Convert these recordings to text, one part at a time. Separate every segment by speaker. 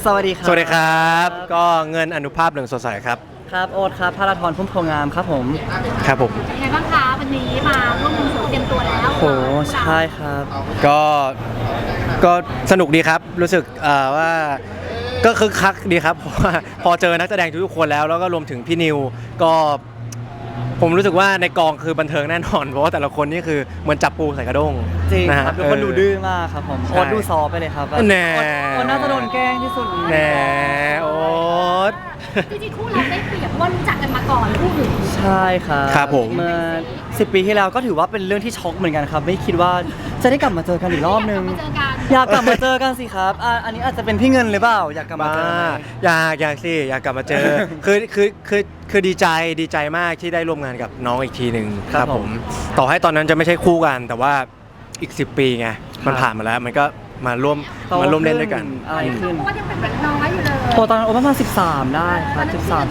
Speaker 1: สวัสดีครับ
Speaker 2: สวัสดีครับก็เงินอนุภาพเหลืองสดใสครับ
Speaker 1: ครับโอ๊ตครับพาราธรพุ่มโพงามครับผม
Speaker 2: ครับผม
Speaker 3: เป็นไงบ้างคะวันนี้มาร่วมวงสวงเตรียมตัวแล้ว
Speaker 1: โหใช่ครับ
Speaker 2: ก็ก็สนุกดีครับรู้สึกว่าก็คึกคักดีครับเพราะว่าพอเจอนักแสดงทุกคนแล้วก็รวมถึงพี่นิวก็ผมรู้สึกว่าในกองคือบันเทิงแน่นอนเพราะว่าแต่ละคนนี่คือเหมือนจับปูใส่กระด้ง
Speaker 1: จริง
Speaker 2: นะฮะ
Speaker 1: ครับทุกคนดูดื้อมากครับผมโอ๊ตดูซอฟไปเลยครับ
Speaker 2: แน่
Speaker 1: โอ๊ตน่าจะโดนแกล้งที่สุด
Speaker 2: แน่โอ๊ต
Speaker 3: จริงๆคู่เราได้เปรียบเพราะว่ารู้จักกันมาก่อนคู่อื่น
Speaker 1: ใช่ครับ
Speaker 2: ครับผม
Speaker 1: เมื่อ10 ปีที่แล้วก็ถือว่าเป็นเรื่องที่ช็อกเหมือนกันครับไม่คิดว่าจะได้กลับมาเจอกันอีกรอบนึงอยากกลับมาเจอกันสิครับอันนี้อาจจะเป็นพี่เงินหรือเปล่าอยากกลับมาเจอ
Speaker 2: อยากสิอยากกลับมาเจอ คือดีใจมากที่ได้ร่วมงานกับน้องอีกทีหนึ่งครับผมต่อให้ตอนนั้นจะไม่ใช่คู่กันแต่ว่าอีก10 ปีไงมันผ่านมาแล้วมันก็มาร่วมเล่นด้วยกัน
Speaker 1: อะไรขึ้น
Speaker 3: เพราะว่ายังเป็นเด็กน้อยอยู่เลย
Speaker 1: โตตอนนั้นโอ๊ตประมาณ13ได้ครับ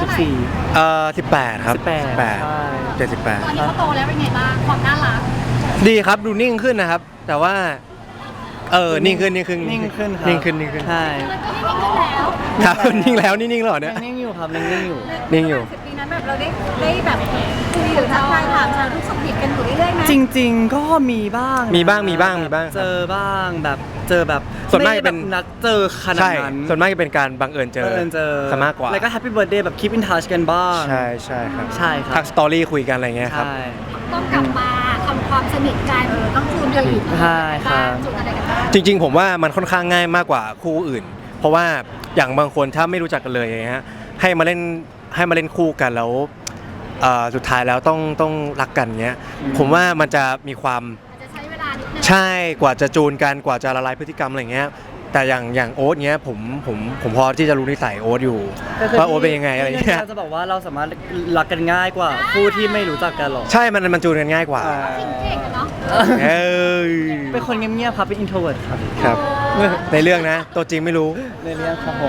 Speaker 1: 13 14
Speaker 2: 18ครับ
Speaker 1: 18
Speaker 3: ตอนนี้เขาโตแล้วเป็นไงบ้างความน่ารัก
Speaker 2: ดีครับดูนิ่งขึ้นนะครับแต่ว่านิ่งขึ้น
Speaker 1: ใช่
Speaker 2: ครับนิ่งแล้วนิ่งแล้วเนี่ย
Speaker 1: นิ่งอยู่ครับนิ่งอยู่
Speaker 3: 10 ปีนั้นแบบเราได้แบบคุยหรือทักทายถามชาทุกสุขดิบกันอยู่เรื่อยๆไหม
Speaker 1: จริงๆก็มีบ้างเจอบ้างแบบ
Speaker 2: ส่วนมากจะเป็น
Speaker 1: นัดเจอขนาดนั้น
Speaker 2: ส่วนมากจะเป็นการบังเอิญเจอซะมากกว่า
Speaker 1: แล้วก็แฮปปี้เบิร์ธเดย์แบบ keep in touch กันบ้าง
Speaker 2: ใช่ครับ
Speaker 1: ทั
Speaker 2: กสตอรี่คุยกันอะไรเงี้ยครับ
Speaker 3: ต้องกลับมาทำความสนิทกันต้องจูนกันอีก
Speaker 1: ใช่ครับ
Speaker 3: จูนอะไรกันบ้าง
Speaker 2: จริงๆผมว่ามันค่อนข้างง่ายมากกว่าคู่อื่นเพราะว่าอย่างบางคนถ้าไม่รู้จักกันเลยอย่างเงี้ยให้มาเล่นคู่กันแล้วสุดท้ายแล้วต้องรักกันเงี้ยผมว่ามันจะมีความ
Speaker 3: จะใช้เวลานิดนึง
Speaker 2: ใช่กว่าจะจูนกันกว่าจะละลายพฤติกรรมอะไรเงี้ยแต่อย่างโอ๊ตเงี้ยผมพอที่จะรู้นิสัยโอ๊ตอยู่ว่าโอ๊ตเป็นยังไงอะไรเงี้ย
Speaker 1: จะบอกว่าเราสามารถรักกันง่ายกว่าคู่ที่ไม่รู้จักกันหรอก
Speaker 2: ใช่มันจูนกันง่ายกว่า
Speaker 3: เก่งกันเนาะ
Speaker 1: เป็นคนเงียบๆครับเป็น introvert
Speaker 2: ครับในเรื่องนะตัวจริงไม่รู้
Speaker 1: ในเรื่องครับผม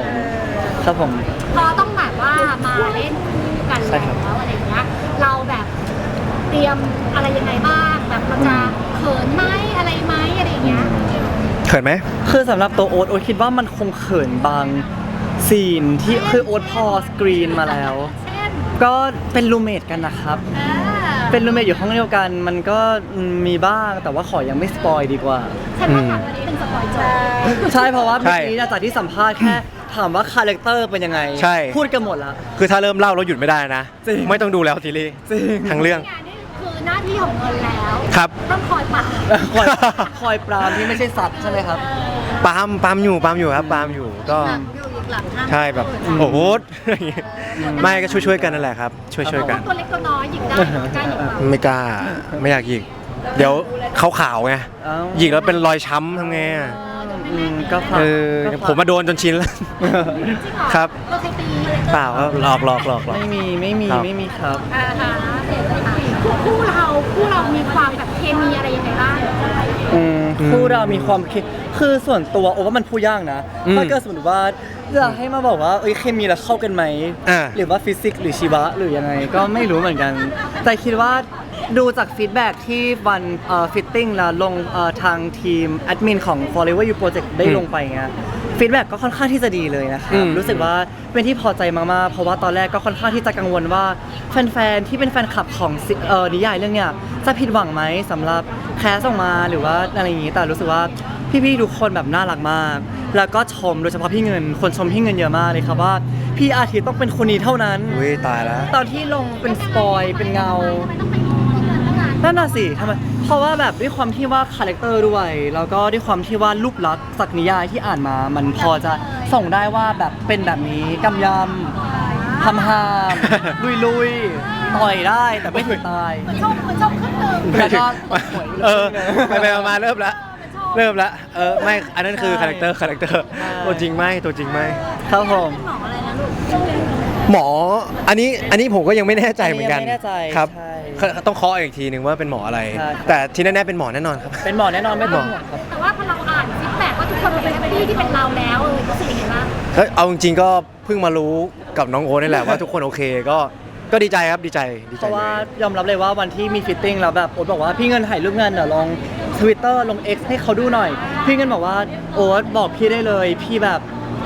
Speaker 3: พอต้องแบบว่ามาเล่นคู่กันแล้วอะไรเงี้ยเราแบบเตรียมอะไรยังไงบ้างแบบเราจะเขินไหมอะไรไหมอะไรเงี้ย
Speaker 2: เขินไหม
Speaker 1: คือสำหรับตัวโอ๊ตคิดว่ามันคงเขินบางซีนที่คือโอ๊ตพอสกรีนมาแล้วก็เป็นรูเมทกันนะครับเป็นรูเมทอยู่ห้องเดียวกันมันก็มีบ้างแต่ว่าขอยังไม่สปอยดีกว่า
Speaker 3: ใช่เพราะวันนี้เป็นสปอย
Speaker 1: ใช่เพราะว่าเมื่อกี้จากที่สัมภาษณ์แค่ถามว่าคาแรคเตอร์เป็นยังไงพูดกันหมดแล้ว
Speaker 2: คือถ้าเริ่มเล่าแล้วหยุดไม่ได้นะไม่ต้องดูแล้วซีรีส์ทั้งเรื่อง
Speaker 3: คือหน้าที่ของเงินแล้ว
Speaker 2: ครับ
Speaker 3: ต้องคอยปราม
Speaker 1: คอยปรามที่ไม่ใช่สัตว์ใช่ไหมครับ
Speaker 2: ปามอยู่ครับปามอยู่ก็ใช่แบบโอ้โหไม่ก็ช่วยกันนั่นแหละครับช่วยกัน
Speaker 3: ตัวเล็กตัวน้อยหยิกได้กล้าหยิก
Speaker 2: ไม่กล้าไม่อยากหยิกเดี๋ยวขาวไงหยิกแล้วเป็นรอยช้ำทำไง
Speaker 1: ก็
Speaker 2: ผมมาโดนจนชินแล้วครับเปล่าครับหลอก
Speaker 1: ไม่มีครับ
Speaker 3: คู่เรามีความแบบเคมีอะไรยังไงบ้าง
Speaker 1: คู่เรามีความคือส่วนตัวโอ้ว่ามันพูดยากนะถ้าเกิดสมมติว่าจะให้มาบอกว่าเคมีเราเข้ากันไหมหรือว่าฟิสิกส์หรือชีวะหรือยังไงก็ไม่รู้เหมือนกันแต่คิดว่าดูจากฟีดแบ็กที่วันฟิตติ้งแล้วลงทางทีมแอดมินของ Forever You Project ได้ลงไปเงี้ยฟีดแบ็กก็ค่อนข้างที่จะดีเลยนะครับรู้สึกว่าเป็นที่พอใจมากๆเพราะว่าตอนแรกก็ค่อนข้างที่จะกังวลว่าแฟนๆที่เป็นแฟนคลับของนิยายเรื่องเนี้ยจะผิดหวังไหมสำหรับแคสออกมาหรือว่าอะไรอย่างงี้แต่รู้สึกว่าพี่ๆทุกคนแบบน่ารักมากแล้วก็ชมโดยเฉพาะพี่เงินคนชมพี่เงินเยอะมากเลยครับว่าพี่อาทิตย์ต้องเป็นคนนี้เท่านั้น
Speaker 2: ตายแล้ว
Speaker 1: ตอนที่ลงเป็นสปอยเป็นเงานั่นน่ะสิทำไมเพราะว่าแบบด้วยความที่ว่าคาแรคเตอร์ด้วยแล้วก็ด้วยความที่ว่ารูปลักษณ์จากนิยายที่อ่านมามันพอจะส่งได้ว่าแบบเป็นแบบนี้กำยำทำห้ามลุยต่อยได้แต่ไม่ถึงตาย
Speaker 3: ชมขึ้นเลย
Speaker 1: แล้วก็
Speaker 2: ไปมาเริ่มละไม่อันนั้นคือคาแรคเตอร์ตัวจริงไหม
Speaker 1: ครับผม
Speaker 2: หมออันนี้ผมก็ยังไม่แน่ใจเหมือนกันครับต้องเคาะอีกทีนึงว่าเป็นหมออะไรแต่ที่แน่ๆเป็นหมอแน่นอนครับ
Speaker 1: เป็นหมอแน่นอนไม่ต้องห่วงครับ
Speaker 3: แต่ว่าพอเราอ่านฟีดแบ็กว่าทุกคนเป็นพี่ที่เป็นเราแล้วรู้สึกยังไงบ้าง
Speaker 2: เอาจริงๆก็เพิ่งมารู้กับน้องโอ๊ตนี่แหละว่าทุกคนโอเคก็ดีใจครับดีใจ
Speaker 1: เพราะว่ายอมรับเลยว่าวันที่มีฟิตติ้งแล้วแบบโอ๊ตบอกว่าพี่เงินถ่ายรูปเงินเดี๋ยวลง Twitter ลง X ให้เขาดูหน่อยพี่เงินบอกว่าโอ๊ตบอกพี่ได้เลยพี่แบบ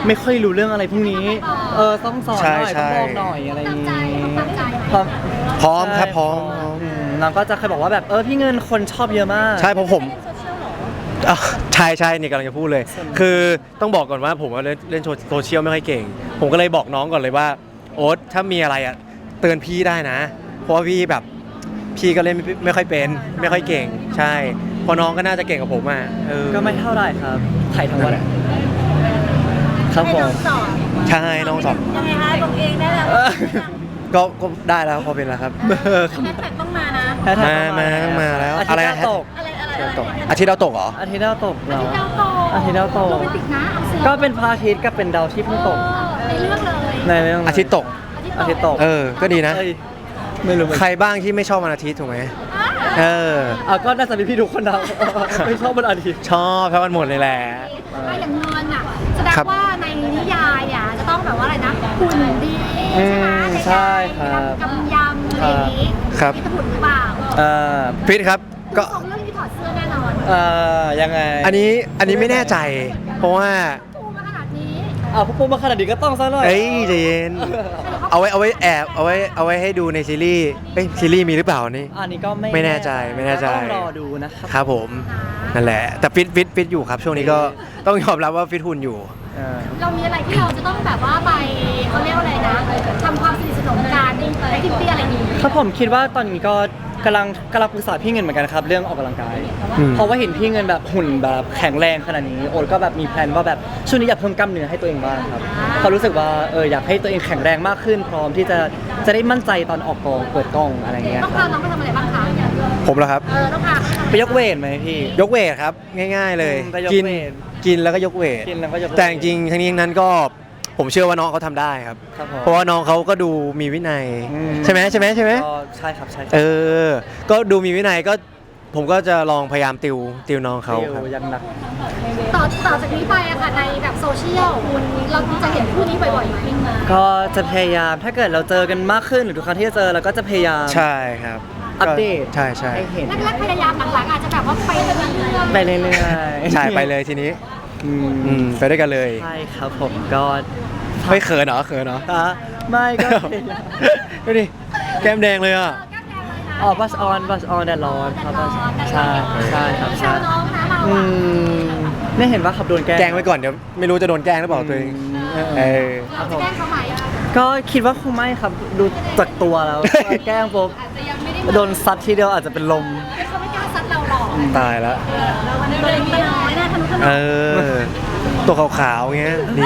Speaker 1: ไม่ค่อยรู้เรื่องอะไรพวกนี้ต้องสอนหน่อย
Speaker 2: ใช่
Speaker 1: ต้องบอกหน่อยอะไรอย่าง
Speaker 3: ตั้งใจ
Speaker 1: นี้
Speaker 3: ตั้งใจ
Speaker 1: พร้อม
Speaker 2: พร้อมครับพร้อม
Speaker 1: น้องก็จะเคยบอกว่าแบบพี่เงินคนชอบเยอะมาก
Speaker 2: ใช่เพราะผมใช่นี่กำลังจะพูดเลย คือต้องบอกก่อนว่าผมเล่นโซเชียลไม่ค่อยเก่ง ผมก็เลยบอกน้องก่อนเลยว่าโอ๊ตถ้ามีอะไรอ่ะเตือนพี่ได้นะ เพราะว่าพี่แบบพี่ก็เล่นไม่ค่อยเป็นไม่ค่อยเก่ง ใช่เพอน้องก็น่าจะเก่งกว่าผมอ่ะ
Speaker 1: ก็ไม่เท่าไหร่ครับถ่ายทั้งวันครับผม
Speaker 2: ใช่น้องสอน
Speaker 3: ยังไงคะลงเองได้แล้ว
Speaker 2: ก็ได้แล้วพอเป็นแล้วครับ
Speaker 3: แฮชแท็กต้องมานะ
Speaker 2: มาแล้ว
Speaker 1: อาทิต
Speaker 2: อะไร
Speaker 1: ย์ดาวตก
Speaker 3: อะไร
Speaker 2: ตกอาทิตย์ดาวตกเหรอ
Speaker 1: อาทิตย์ดาวตกเหรอ
Speaker 3: ดาวตก
Speaker 1: อาทิตย์ดาวตก
Speaker 3: โรแมนติกนะเอาสิ
Speaker 1: ก็เป็นพระอาทิตย์กับเป็นดาวที่เพิ่งตก
Speaker 3: ในเรื่องเลย
Speaker 1: ในเรื่อง
Speaker 2: อาทิตย์ตก
Speaker 1: อาทิตย์ตก
Speaker 2: ก็ดีนะ
Speaker 1: เอ้ยไม่รู้เหมือน
Speaker 2: ใคร
Speaker 1: กัน
Speaker 2: บ้างที่ไม่ชอบวันอาทิตย์ถูกไหม
Speaker 1: ก็น่าจะมีพี่ทุกคนเราไม่ชอบวันอาทิตย์
Speaker 2: ชอบทั้งวันหมดเลยแหละ
Speaker 3: ถ้าอย่างเงินอ่ะแสดง
Speaker 2: ครับ
Speaker 3: ว่าในนิยายอ่ะจะต้องแบบว่าอะไรนะหุ่นดีใช่ไหม
Speaker 1: ใช่ครับ
Speaker 3: กำยำอะไรอย่างนี้
Speaker 2: ครับ
Speaker 3: มีหุ่นหรือเปล่า
Speaker 2: ฟิตครับก็
Speaker 3: สองเรื่องนี้ถอดเสื้อแน่นอน
Speaker 1: ยังไง
Speaker 2: อันนี้ไม่แน่ใจ เพราะว่า
Speaker 3: ปูมาขนาดนี้
Speaker 1: พวกปูมาขนาดนี้ก็ต้องซะหน่อย
Speaker 2: เอ้ยใจเย็นเอาไว้แอบเอาไว้ให้ดูในซีรีส์ซีรีส์มีหรือเปล่านี่
Speaker 1: อันนี้ก็
Speaker 2: ไม่แน่ใจ
Speaker 1: ต้องรอดูนะครับ
Speaker 2: ครับผมนั่นแหละแต่ฟิตอยู่ครับ ช่วงนี้ก็ต้องยอมรับว่าฟิตหุ่นอยู่
Speaker 3: เรามีอะไรที่เราจะต้องแบบว่าไปเขาเรียกว่าอะไรนะทำความสนิทสนมกันในทิปปี้อะไรอย่างนี้
Speaker 1: ครับผมคิดว่าตอนนี้ก็กำลังปรึกษาพี่เงินเหมือนกันครับเรื่องออกกำลังกาย เพราะว่าเห็นพี่เงินแบบหุ่นแบบแข็งแรงขนาดนี้โอ๊ตก็แบบมีแพลนว่าแบบช่วงนี้อยากเพิ่มกล้ามเนื้อให้ตัวเองบ้างครับเขารู้สึกว่าอยากให้ตัวเองแข็งแรงมากขึ้น พร้อมที่จะได้มั่นใจตอนออกกองเปิดกล้องอะไรเงี้ย
Speaker 3: ต้องพาน้องไปทำอะไรบ้างคะ
Speaker 2: ผมเหรอครับ
Speaker 3: ต้องพา
Speaker 1: ไปยกเวทไหมพี่
Speaker 2: ยกเวทครับง่าย ๆเลย
Speaker 1: ไปยก
Speaker 2: กิน
Speaker 1: เวท
Speaker 2: กินแล้วก็ยกเวท
Speaker 1: กินแล้วก็ยกเวท
Speaker 2: แต่จริงๆทั้งนี้ทั้งนั้นก็ผมเชื่อว่าน้องเขาทำได้ครับ
Speaker 1: ครับผม
Speaker 2: เพราะว่าน้องเขาก็ดูมีวินัย ใช่ไหม
Speaker 1: ก็ใช่ครับใช่
Speaker 2: ก็ดูมีวินัยก็ผมก็จะลองพยายามติวน้องเขาครับ
Speaker 1: ยังหนัก
Speaker 3: ต่อจากนี้ไปอะค่ะในแบบโซเชียลคุณเราจะเห็นคู่นี้บ่อยๆไหม
Speaker 1: ก็จะพยายามถ้าเกิดเราเจอกันมากขึ้นหรือทุกครั้งที่จะเจอเราก็จะพยายาม
Speaker 2: ใช่ครับ
Speaker 1: อัปเดต
Speaker 2: ใช่
Speaker 1: ให้เห็น
Speaker 3: แรกๆพยายามหลังๆอาจจะแบบว่าไปเรื่อยๆ
Speaker 1: ไปเรื่อยๆ
Speaker 2: ใช่ไปเลยทีนี้ไปด้วยกันเลย
Speaker 1: ใช่ครับผมก็
Speaker 2: ไม่เขินเหรอ
Speaker 1: ไม่ก็
Speaker 2: ดูดิแก้มแดงเลยอ่ะ
Speaker 1: บัสออนแดดร้อนครับใช่ครับ
Speaker 3: แซวน้องนะเรา
Speaker 1: อื
Speaker 3: อะ
Speaker 1: มไม่เห็นว่าขับโดนแกล้ง
Speaker 2: แกล้งไว้ก่อนเดี๋ยวไม่รู้จะโดนแกล้งหรือเปล่าตัวเอง
Speaker 3: เราจะแกล้งเขาไหมอะ
Speaker 1: ก็คิดว่าคงไม่ครับดูจากตัวแล้ว แกล้งปุ๊บ
Speaker 3: อาจจะยังไม่ได้
Speaker 1: โดนซัดทีเดียวอาจจะเป็นลม
Speaker 3: เขาไม่กล้าซัดเราหรอก
Speaker 2: ตายแล้ว
Speaker 3: เราวันนี้ตัวเล็กตัวน้อยนะทะนุถนอม
Speaker 2: ตัวขาวๆเงี้ยดี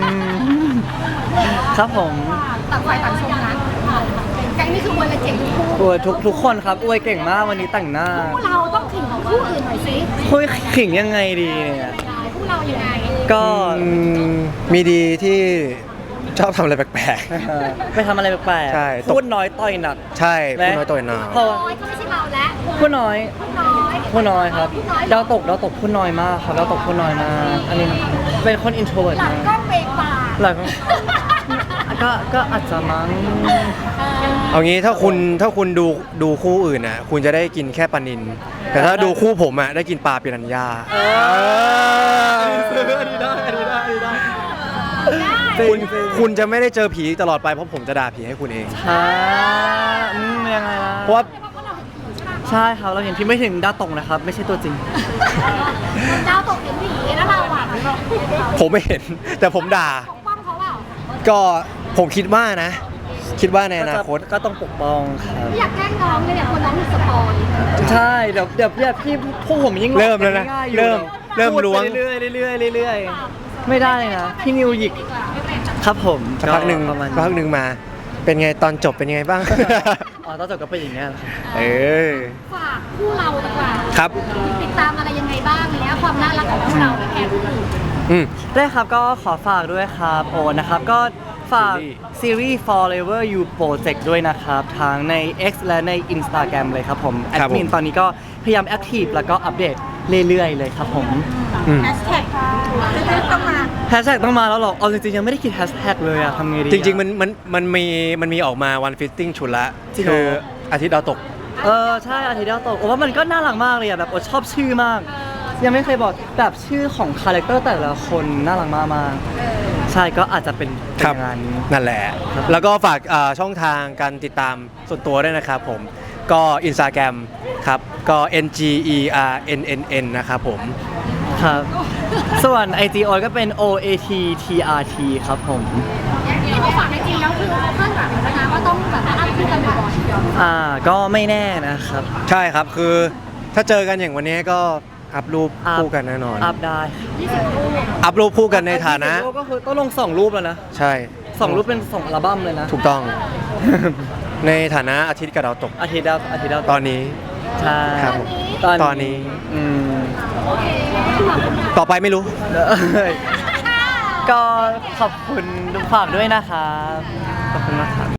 Speaker 1: ครับผม
Speaker 3: ต่างฝ่ายต่างชมนะแก๊งนี่คือวันละเจ็ดคู่
Speaker 1: อวยทุกคนครับอวยเก่งมากวันนี้แต่งหน้า
Speaker 3: คู่เราต้องขิงของคู่อื่นหน่อยสิ
Speaker 1: คุยขิงยังไงดีเนี่ย
Speaker 3: คู่เรายังไง
Speaker 1: ก็
Speaker 2: มีดีที่ชอบทำอะไรแปลก
Speaker 1: ไปทำอะไรแปลก
Speaker 2: ใช่
Speaker 1: ๆพูดน้อยต่อยหนัก
Speaker 2: ๆ ใช่พูดน้อยต่อยหนาว
Speaker 1: เพราะว่า
Speaker 3: น้อยก็ไม่ใช่เราแล้ว
Speaker 1: พูดน้อย
Speaker 3: คู่น้อย
Speaker 1: พูดน้อยครับ
Speaker 3: คู่น้อย
Speaker 1: ดาวตกพูดน้อยมากครับดาวตกพูดน้อยมากอันนี้เป็นคนอินโทรเวิร์ต
Speaker 3: หลัง
Speaker 1: มาก
Speaker 3: ก็เบรกปาก
Speaker 1: หลังก็อาจจะมั้ง
Speaker 2: เอางี้ถ้าคุณดูคู่อื่นอ่ะคุณจะได้กินแค่ปลานินแต่ถ้าดูคู่ผมอ่ะได้กินปลาปิรันย่า
Speaker 1: อันนี้ได้
Speaker 2: คุณจะไม่ได้เจอผีตลอดไปเพราะผมจะด่าผีให้คุณเอง
Speaker 1: ยังไงล่ะ
Speaker 2: เพราะว่า
Speaker 1: ใช่ครับเราเห็นพี่ไม่ถึงดาวตกนะครับ ไม่ใช่ตัวจริง
Speaker 3: ดาวตกเห็นผีแล้วเราอ่ะ
Speaker 2: ผมไม่เห็น แต่ผมด่า
Speaker 3: ปกป้องเขาเปล่า
Speaker 2: ก็ผมคิดว่านะ คิดว่าในอนาคต
Speaker 1: ก็ต้องปกป้องครับ
Speaker 3: ไม่อยากแกล้งน้องเลยเนี่ยคนน้องมีสปอย
Speaker 1: ใช่เดี๋ยวพี่พวกผมยิ่ง
Speaker 2: เริ่มแล้วนะ
Speaker 1: ง่ายๆอยู่
Speaker 2: เริ่ม
Speaker 1: พูดไป
Speaker 2: ล้วง
Speaker 1: เรื่อยๆไม่ได้นะพี่นิวหยิกครับผม
Speaker 2: สักพักหนึ่ง
Speaker 1: ประมาณ
Speaker 2: สักพักหนึ่งมา เป็นไงตอนจบเป็นยังไงบ้าง
Speaker 1: ตอนจบก็เป็นอย่างเงี้ยครับ
Speaker 2: เออ
Speaker 3: ฝากคู่เราดีกว่า
Speaker 2: ครับ
Speaker 3: ติดตามอะไรยังไงบ้างอะไรเงี้ยความน่ารักของคู่เราไม่แพ้คู่อื่น
Speaker 2: อืม
Speaker 1: ได้ครับก็ขอฝากด้วยครับโอนะครับก็ฝากซีรีส์ Forever You Project ด้วยนะครับทั้งใน X และใน Instagram เลยครับผมแอ
Speaker 2: ครั
Speaker 1: ด
Speaker 2: บผม
Speaker 1: มินตอนนี้ก็พยายามแอคทีฟแล้วก็อัปเดตเรื่อยๆเลยครับผม
Speaker 2: อืม
Speaker 3: แฮชแท็กต้องมา
Speaker 1: แฮชแท็กต้องมาแล้วหรอเอาจริงๆยังไม่ได้คิดแฮชแท็กเลยอะทำไงดีอะ
Speaker 2: จริงๆมันมีออกมาวันฟิตติ้งชุดละ
Speaker 1: จริงเหรอ
Speaker 2: คืออาทิตย์ดาวตก
Speaker 1: ใช่อาทิตย์ดาวตกโอ้ว่ามันก็น่ารักมากเลยอะแบบโอ้ชอบชื่อมาก ยังไม่เคยบอกแบบชื่อของคาแรคเตอร์แต่ละคนน่ารักมากๆใช่ก็อาจจะเป็น
Speaker 2: ครับ
Speaker 1: งานนี้
Speaker 2: นั่นแหละ แล้วก็ฝากช่องทางการติดตามส่วนตัวด้วยนะครับผมก็ Instagram ครับก็ NGERNNN นะครับผม
Speaker 1: ครับ ส่วน IG ออยก็เป็น OATTRT ครับผม
Speaker 3: ที่เขาฝากในจริงแล้วคือเขาคาดหวังนะคะว่าต้องแบบอัพขึ้นกันบ่อยๆ
Speaker 1: ก็ไม่แน่นะครับ
Speaker 2: ใช่ครับคือถ้าเจอกันอย่างวันนี้ก็อัพรูปคู่กันแน่นอน
Speaker 1: อัพได้
Speaker 2: อัพรูปคู่กันในฐานะ
Speaker 1: ก็คือต้องลง2 รูปแล้วนะ
Speaker 2: ใช่
Speaker 1: 2 รูปเป็น2 อัลบั้มเลยนะ
Speaker 2: ถูกต้อง ในฐานะอาทิตย์กับดาวตก
Speaker 1: อาทิตย์ดาว
Speaker 2: ตอนนี้
Speaker 1: ใช่
Speaker 2: ครับผม ตอนนี้
Speaker 1: อืม
Speaker 2: ต่อไปไม่รู้
Speaker 1: ก็ขอบคุณฝากด้วยนะครับ ขอบคุณมากครับ